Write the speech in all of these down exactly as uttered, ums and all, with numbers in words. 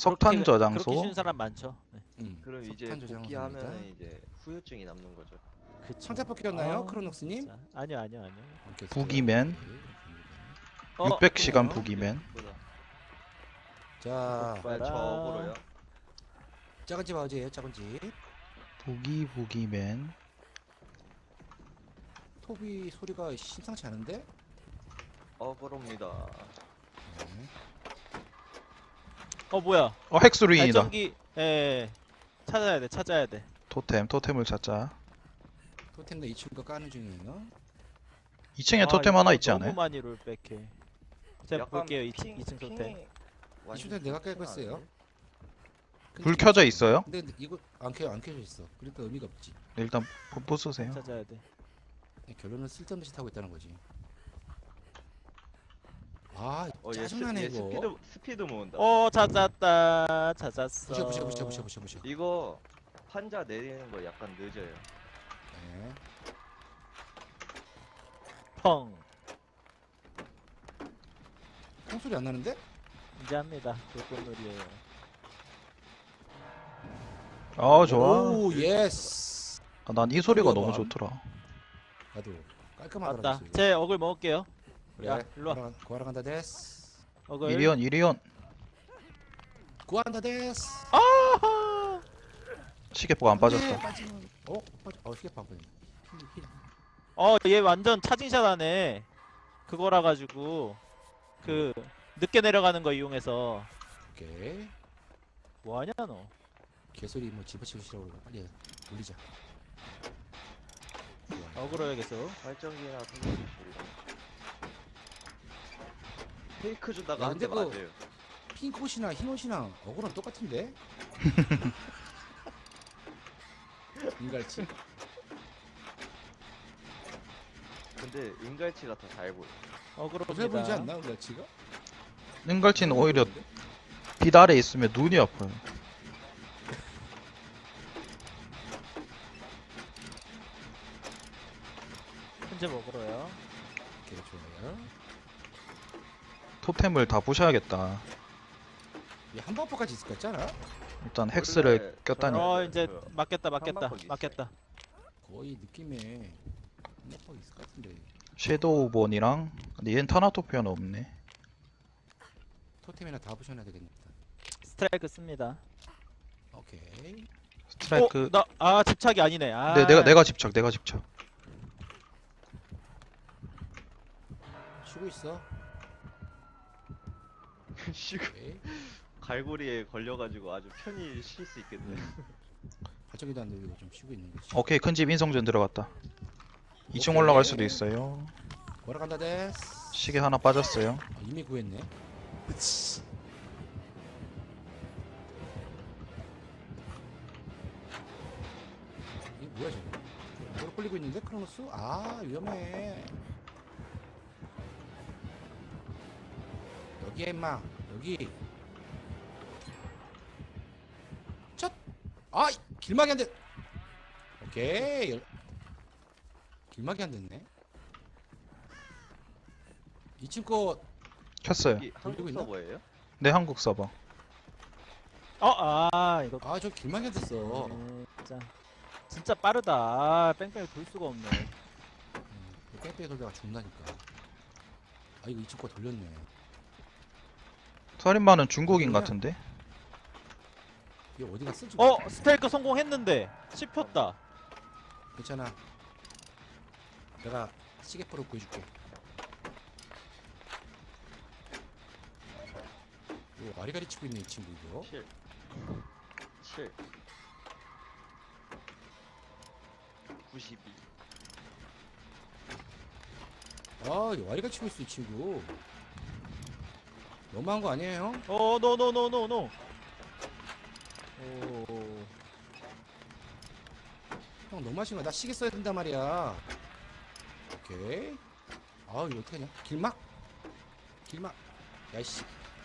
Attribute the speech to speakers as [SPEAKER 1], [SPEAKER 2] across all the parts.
[SPEAKER 1] 석탄
[SPEAKER 2] 그렇게
[SPEAKER 1] 저장소.
[SPEAKER 2] 쉬운 사람 많죠. 네.
[SPEAKER 3] 음,
[SPEAKER 4] 그럼 이제
[SPEAKER 3] 석탄 저장소입니다.
[SPEAKER 4] 복귀하면 이제 후유증이 남는 거죠.
[SPEAKER 2] 그쵸.
[SPEAKER 3] 상자 뽑혔나요,
[SPEAKER 2] 아,
[SPEAKER 3] 크로녹스님?
[SPEAKER 2] 진짜. 아니요 아니요 아니요.
[SPEAKER 3] 오케이,
[SPEAKER 1] 부기맨.
[SPEAKER 3] 오케이,
[SPEAKER 2] 어,
[SPEAKER 1] 육백 시간
[SPEAKER 3] 그래요?
[SPEAKER 1] 부기맨.
[SPEAKER 4] 보다.
[SPEAKER 3] 자,
[SPEAKER 4] 빨리
[SPEAKER 2] 봐라.
[SPEAKER 4] 저으로요.
[SPEAKER 3] 작은 집 어디에요? 작은 집.
[SPEAKER 1] 부기 부기맨.
[SPEAKER 3] 톱이 소리가 심상치 않은데?
[SPEAKER 4] 어그로입니다.
[SPEAKER 3] 네.
[SPEAKER 2] 어 뭐야?
[SPEAKER 1] 어 헥스루인이다.
[SPEAKER 2] 발전기. 예. 찾아야 돼 찾아야 돼.
[SPEAKER 1] 토템 토템을 찾자.
[SPEAKER 3] 토템도 이 친구가 까는 중이에요.
[SPEAKER 1] 이 층에
[SPEAKER 2] 아,
[SPEAKER 1] 토템
[SPEAKER 2] 이거
[SPEAKER 1] 하나 있지
[SPEAKER 2] 너무
[SPEAKER 1] 않아요?
[SPEAKER 2] 많이 롤백해. 제가
[SPEAKER 4] 약간
[SPEAKER 2] 볼게요 이 층
[SPEAKER 4] 핑-
[SPEAKER 2] 이 층 토템.
[SPEAKER 4] 핑이
[SPEAKER 3] 이
[SPEAKER 4] 완전
[SPEAKER 3] 토템 내가
[SPEAKER 4] 핑크는
[SPEAKER 3] 깰 거였어요.
[SPEAKER 4] 아닌데?
[SPEAKER 1] 불 켜져 있어요?
[SPEAKER 3] 근데 이거 안 켜, 안 켜져 있어. 그러니까 의미가 없지.
[SPEAKER 1] 네, 일단 보- 보스세요.
[SPEAKER 2] 찾아야 돼.
[SPEAKER 3] 결론은 쓸데없는 짓 하고 있다는 거지. 아,
[SPEAKER 4] 어, 얘, 스,
[SPEAKER 3] 짜증나네
[SPEAKER 4] 얘
[SPEAKER 3] 이거.
[SPEAKER 4] 스피드 스피드 모은다.
[SPEAKER 2] 어 찾았다 찾았어.
[SPEAKER 3] 부셔 부셔 부셔 부셔 부셔 부셔.
[SPEAKER 4] 이거 판자 내리는 거 약간 늦어요.
[SPEAKER 3] 네.
[SPEAKER 2] 펑.
[SPEAKER 3] 통 소리 안 나는데?
[SPEAKER 2] 이제 합니다. 불꽃놀이에요.
[SPEAKER 1] 아 좋아.
[SPEAKER 3] 오, 예스.
[SPEAKER 1] 아, 난 이 소리가
[SPEAKER 3] 소리가
[SPEAKER 1] 너무
[SPEAKER 3] 봐.
[SPEAKER 1] 좋더라.
[SPEAKER 3] 나도 깔끔하더라.
[SPEAKER 2] 맞다.
[SPEAKER 3] 소리가.
[SPEAKER 2] 제 어글 먹을게요.
[SPEAKER 3] 그래.
[SPEAKER 2] 야, 일로 와.
[SPEAKER 3] 구하러, 간- 구하러 간다 데스.
[SPEAKER 2] 어글.
[SPEAKER 1] 이리온 이리온.
[SPEAKER 3] 구한다 데스.
[SPEAKER 2] 아하.
[SPEAKER 1] 시계포가 안 빠졌다.
[SPEAKER 3] 네, 빠지면- 어? 빠져. 어, 시계 안 빠지네. 힐, 힐.
[SPEAKER 2] 어, 얘 완전 차징샷 하네. 그거라 가지고 그 늦게 내려가는 거 이용해서
[SPEAKER 3] 오케이.
[SPEAKER 2] 뭐 하냐 너?
[SPEAKER 3] 개소리 뭐 집어치고 싫어 그러고 빨리 돌리자. 좋아.
[SPEAKER 2] 어그로야겠어.
[SPEAKER 4] 발전기나 생각이 페이크 주다가
[SPEAKER 3] 야,
[SPEAKER 4] 한 대
[SPEAKER 3] 근데 그거-
[SPEAKER 4] 맞아요.
[SPEAKER 3] 핑크 옷이나 흰 옷이랑 어그랑 똑같은데? 인갈치?
[SPEAKER 4] 근데 은갈치가 더 잘 보여.
[SPEAKER 3] 어슬 보이지
[SPEAKER 2] 어그로입니다.
[SPEAKER 3] 않나 인갈치가?
[SPEAKER 1] 능갈치는 오히려 빛 아래 있으면 눈이 아파요.
[SPEAKER 2] 현재 먹으러요.
[SPEAKER 3] 오케이 좋아요.
[SPEAKER 1] 토템을 다 부셔야겠다.
[SPEAKER 3] 얘한 버퍼까지 있을 것 같잖아?
[SPEAKER 1] 일단 헥스를
[SPEAKER 4] 원래
[SPEAKER 1] 꼈다니.
[SPEAKER 4] 저는-
[SPEAKER 2] 어 이제
[SPEAKER 4] 그
[SPEAKER 2] 맞겠다 맞겠다
[SPEAKER 4] 한방퍽이
[SPEAKER 2] 맞겠다.
[SPEAKER 3] 거의 느낌에 한 버퍼 있을 것 같은데.
[SPEAKER 1] 섀도우본이랑 근데 얘는 타나토피아는 없네.
[SPEAKER 3] 토템이나 다 부셔놔야 되겠다.
[SPEAKER 2] 스트라이크 씁니다.
[SPEAKER 3] 오케이.
[SPEAKER 1] 스트라이크.
[SPEAKER 2] 어, 나아 집착이 아니네. 아.
[SPEAKER 1] 네, 내가 내가 집착 내가 집착.
[SPEAKER 3] 쉬고 있어.
[SPEAKER 4] 쉬고
[SPEAKER 3] 오케이.
[SPEAKER 4] 갈고리에 걸려가지고 아주 편히 쉴 수 있겠네.
[SPEAKER 3] 발전기도 안 돌리고 좀 쉬고 있는 거지.
[SPEAKER 1] 오케이 큰 집 인성전 들어갔다. 이 층 올라갈 수도 있어요.
[SPEAKER 3] 구하러 간다 데스.
[SPEAKER 1] 시계 하나 빠졌어요.
[SPEAKER 3] 아, 이미 구했네. 이게 뭐야 저거? 뭐로 끌리고 있는데 크로노스? 아 위험해. 여기에 임마 여기. 첫. 아 길막이 안 돼. 오케이. 열... 길막이 안 됐네. 이 친구 거
[SPEAKER 1] 켰어요.
[SPEAKER 4] 여기 한국
[SPEAKER 3] 돌리고 있나?
[SPEAKER 4] 서버예요?
[SPEAKER 1] 네 한국 서버.
[SPEAKER 2] 어아 이거
[SPEAKER 3] 아 저 길막이 안 됐어.
[SPEAKER 2] 음, 진짜 진짜 빠르다. 아, 뺑뺑이 돌 수가 없네.
[SPEAKER 3] 음, 뺑뺑이 돌다가 죽는다니까. 아 이거 이 친구 거 돌렸네.
[SPEAKER 1] 살인마는 중국인
[SPEAKER 3] 뭐야?
[SPEAKER 1] 같은데?
[SPEAKER 3] 얘 어디 갔어 지금?
[SPEAKER 2] 어 스테이크 성공했는데 씹혔다.
[SPEAKER 3] 괜찮아. 내가 시계포로 구해줄게. 이거 와리가리 치고 있네 이 친구 이거.
[SPEAKER 4] 칠. 칠. 구십이.
[SPEAKER 3] 아 이거 와리가리 치고 있어 이 친구. 너무한 거 아니에요 형?
[SPEAKER 2] 어 노노노노노. 오.
[SPEAKER 3] 형 너무 하신 거야. 나 시계 써야 된단 말이야. 오케이. 아 이거 어떡하냐? 길막? 길막. 야이씨.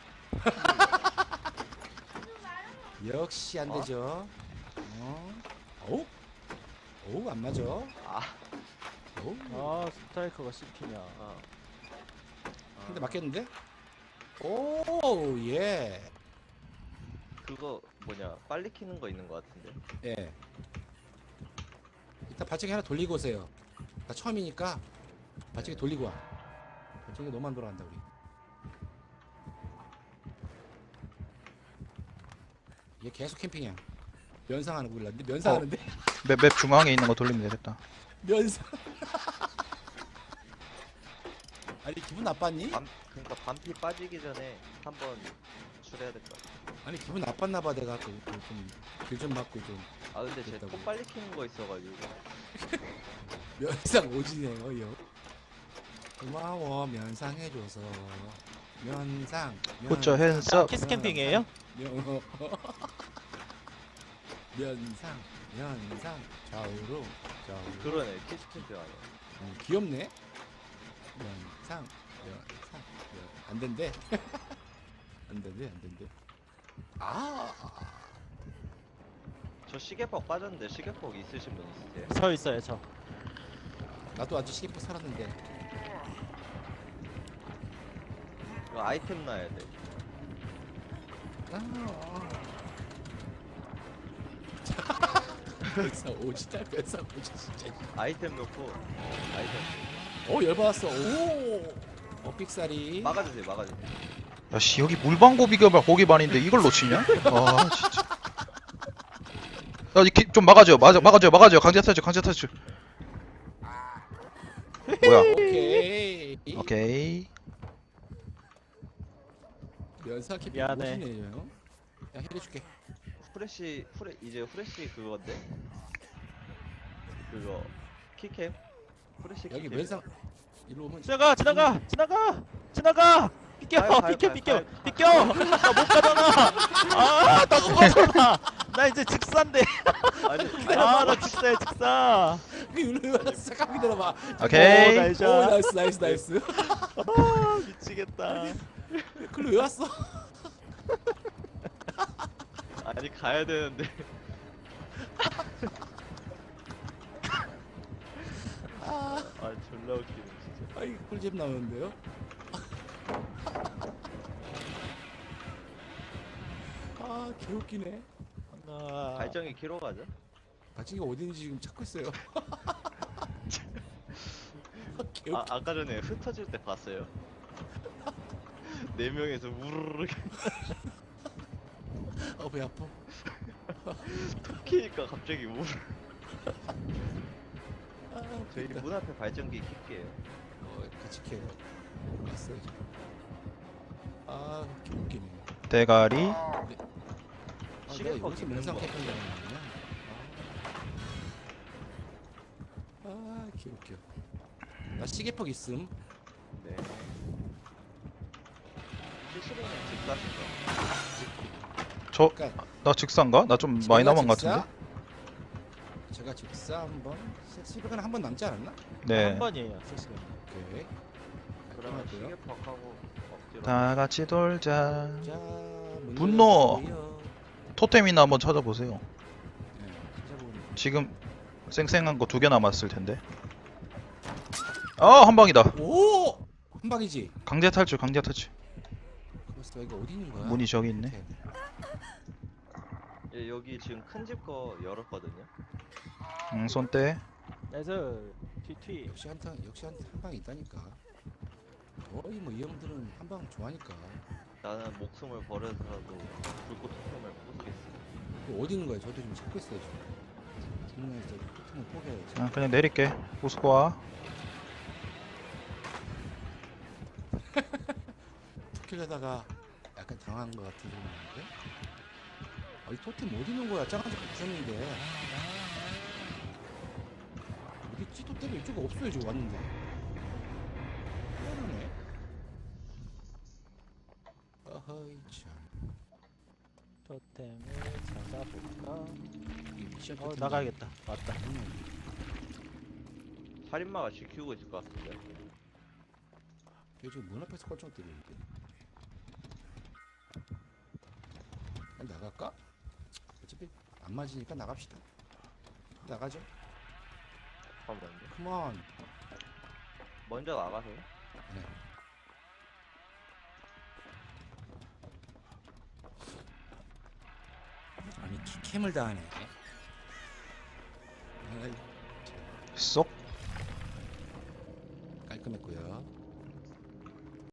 [SPEAKER 3] 역시 안
[SPEAKER 4] 어?
[SPEAKER 3] 되죠. 어? 어우? 어우 안 맞아.
[SPEAKER 4] 아.
[SPEAKER 3] 어우.
[SPEAKER 2] 아 스트라이커가 씹히냐.
[SPEAKER 4] 아.
[SPEAKER 3] 근데 맞겠는데? 오 예.
[SPEAKER 4] 그거 뭐냐 빨리 키는 거 있는 거 같은데.
[SPEAKER 3] 예. 일단 발전기 하나 돌리고 오세요. 나 처음이니까 발전기 돌리고 와. 발전기 너무 안 돌아간다 우리. 얘 계속 캠핑이야. 면상하는 거 몰랐는데 면상하는데
[SPEAKER 1] 맵, 맵 중앙에 있는 거 돌리면 되겠다.
[SPEAKER 3] 면상. 아니 기분 나빴니?
[SPEAKER 4] 밤 그러니까 반피 빠지기 전에 한번 출해야 될 것 같아.
[SPEAKER 3] 아니 기분 나빴나봐 내가 좀길 좀 맞고 좀
[SPEAKER 4] 아 근데 쟤
[SPEAKER 3] 됐다고.
[SPEAKER 4] 또 빨리 키는 거 있어가지고.
[SPEAKER 3] 면상 오지네요 요. 고마워 면상해줘서 면상.
[SPEAKER 1] Put your hands up.
[SPEAKER 2] 키스 캠핑이에요?
[SPEAKER 3] 면- 면상 면상 좌우로 좌우로.
[SPEAKER 4] 그러네 키스캠프 아니야.
[SPEAKER 3] 음, 귀엽네. 면상 면상 면. 안 된대. 안 된대 안 된대. 아.
[SPEAKER 4] 저 시계퍽 빠졌는데 시계퍽 있으신 분 있으세요?
[SPEAKER 2] 저 있어요 저.
[SPEAKER 3] 나도 아주 시계포 살았는데.
[SPEAKER 4] 이거 아이템 놔야 돼.
[SPEAKER 3] 아. 면상 오지다 면상 오지 진짜.
[SPEAKER 4] 아이템 넣고 아이템
[SPEAKER 3] 오 열받았어. 오. 어 삑사리.
[SPEAKER 4] 막아주세요 막아주세요.
[SPEAKER 1] 야씨 여기 물방고 비교발 고기 반인데 이걸 놓치냐? 아 진짜. 야좀 막아줘요. 막아 막아줘요. 막아줘요. 강제 탈출. 강제 탈출. 뭐야?
[SPEAKER 3] 오케이.
[SPEAKER 1] 오케이.
[SPEAKER 3] 면상 캠핑
[SPEAKER 2] 미안해.
[SPEAKER 3] 오지네요. 야 해줄게.
[SPEAKER 4] 후레쉬 후레 이제 후레쉬 그건데 그거 키캠 후레쉬
[SPEAKER 3] 여기
[SPEAKER 4] 키캠.
[SPEAKER 3] 면상 이리 오면
[SPEAKER 2] 지나가 지나가 지나가 지나가. 비켜
[SPEAKER 4] 가요, 가요,
[SPEAKER 2] 비켜
[SPEAKER 4] 가요,
[SPEAKER 2] 비켜
[SPEAKER 4] 가요.
[SPEAKER 2] 비켜. 나 못 가잖아. 아나 못 가잖아. 나 이제 직사인데.
[SPEAKER 4] 아니
[SPEAKER 2] 아나 직사야 직사.
[SPEAKER 3] 이리 왔어. 잠깐 기다려봐.
[SPEAKER 1] 오케이.
[SPEAKER 2] 오, 나이스.
[SPEAKER 3] 오 나이스 나이스 나이스.
[SPEAKER 2] 아 미치겠다.
[SPEAKER 3] 그걸 왜 왔어?
[SPEAKER 4] 아니 가야 되는데.
[SPEAKER 3] 아,
[SPEAKER 4] 아 졸라 웃기네 진짜.
[SPEAKER 3] 아이 꿀잼 나오는데요? 아 개웃기네.
[SPEAKER 2] 아,
[SPEAKER 4] 발정이 키로 가죠?
[SPEAKER 3] 발전기가 어딘지 지금 찾고 있어요. 개웃기.
[SPEAKER 4] 아 아까 전에 흩어질 때 봤어요. 네 명에서 우르르
[SPEAKER 3] 어배 아파.
[SPEAKER 4] 키니까 갑자기 우르.
[SPEAKER 3] 아,
[SPEAKER 4] 저희
[SPEAKER 3] 웃기다.
[SPEAKER 4] 문 앞에 발전기 킬게요.
[SPEAKER 3] 어, 같이 캐요. 왔어요. 지금. 아 개웃기네.
[SPEAKER 1] 대가리.
[SPEAKER 3] 아,
[SPEAKER 4] 시계법
[SPEAKER 3] 내가 여기서
[SPEAKER 4] 입는
[SPEAKER 3] 면상
[SPEAKER 4] 거.
[SPEAKER 3] 캠핑 다니는구나. 아, 아 개웃겨. 나 시계퍽 있음.
[SPEAKER 4] 네. 실시간에 집 가신 거.
[SPEAKER 1] 저
[SPEAKER 3] 그러니까
[SPEAKER 1] 나 직사인가? 나 좀 많이
[SPEAKER 3] 제가
[SPEAKER 1] 남은 것
[SPEAKER 3] 직사?
[SPEAKER 1] 같은데.
[SPEAKER 3] 제가 직사 한번 실시간 한번 남지 않았나?
[SPEAKER 1] 네.
[SPEAKER 2] 한 번이에요 실시간.
[SPEAKER 3] 오케이.
[SPEAKER 4] 그러면
[SPEAKER 3] 깔끔하고요.
[SPEAKER 4] 시계퍽하고 억지로.
[SPEAKER 1] 다 같이 돌자.
[SPEAKER 3] 자, 문
[SPEAKER 1] 분노!
[SPEAKER 3] 열어주세요.
[SPEAKER 1] 토템이나 한번 찾아보세요.
[SPEAKER 3] 네, 찾아보니.
[SPEAKER 1] 지금 쌩쌩한 거 두 개 남았을 텐데. 아, 한 방이다.
[SPEAKER 3] 오! 한 방이지.
[SPEAKER 1] 강제 탈출, 강제 탈출.
[SPEAKER 3] 그래서 이게 어디 있는 거야?
[SPEAKER 1] 문이 저기 있네.
[SPEAKER 3] 오케이.
[SPEAKER 4] 예, 여기 지금 큰 집 거 열었거든요.
[SPEAKER 1] 응, 손대.
[SPEAKER 2] 그래서 튀튀.
[SPEAKER 3] 역시 한탕 역시 한, 한 방이 있다니까. 거의 뭐 이 형들은 한 방 좋아하니까.
[SPEAKER 4] 나는 목숨을 버려서라도 불꽃 토템을 부수겠어.
[SPEAKER 3] 그 어디 있는 거야? 저도 지금 찾고 있어요 지금. 분명해서 토템을 포기해야지.
[SPEAKER 1] 아, 그냥 내릴게. 부수고 와.
[SPEAKER 3] 툭킬려다가 약간 당한 것 같은 소리인데. 아이 토템 어디 있는 거야? 짱한테 부셨는데. 어디 있지? 토템이 이쪽에 없어요 지금 왔는데. 희한하네. 어허이 참.
[SPEAKER 2] 토템을 찾아볼까?
[SPEAKER 3] 이게 미션
[SPEAKER 2] 어
[SPEAKER 3] 토템
[SPEAKER 2] 나가야겠다. 맞다.
[SPEAKER 4] 살인마가 지키고 있을 것 같은데.
[SPEAKER 3] 걔 지금 문 앞에서 꼴쩍 때리는데. 그냥 나갈까? 어차피 안 맞으니까 나갑시다. 나가죠.
[SPEAKER 4] 잠깐만요.
[SPEAKER 3] 컴온.
[SPEAKER 4] 먼저 나가세요.
[SPEAKER 3] 네. 캠을 당하네. 아이,
[SPEAKER 1] 쏙.
[SPEAKER 3] 깔끔했고요.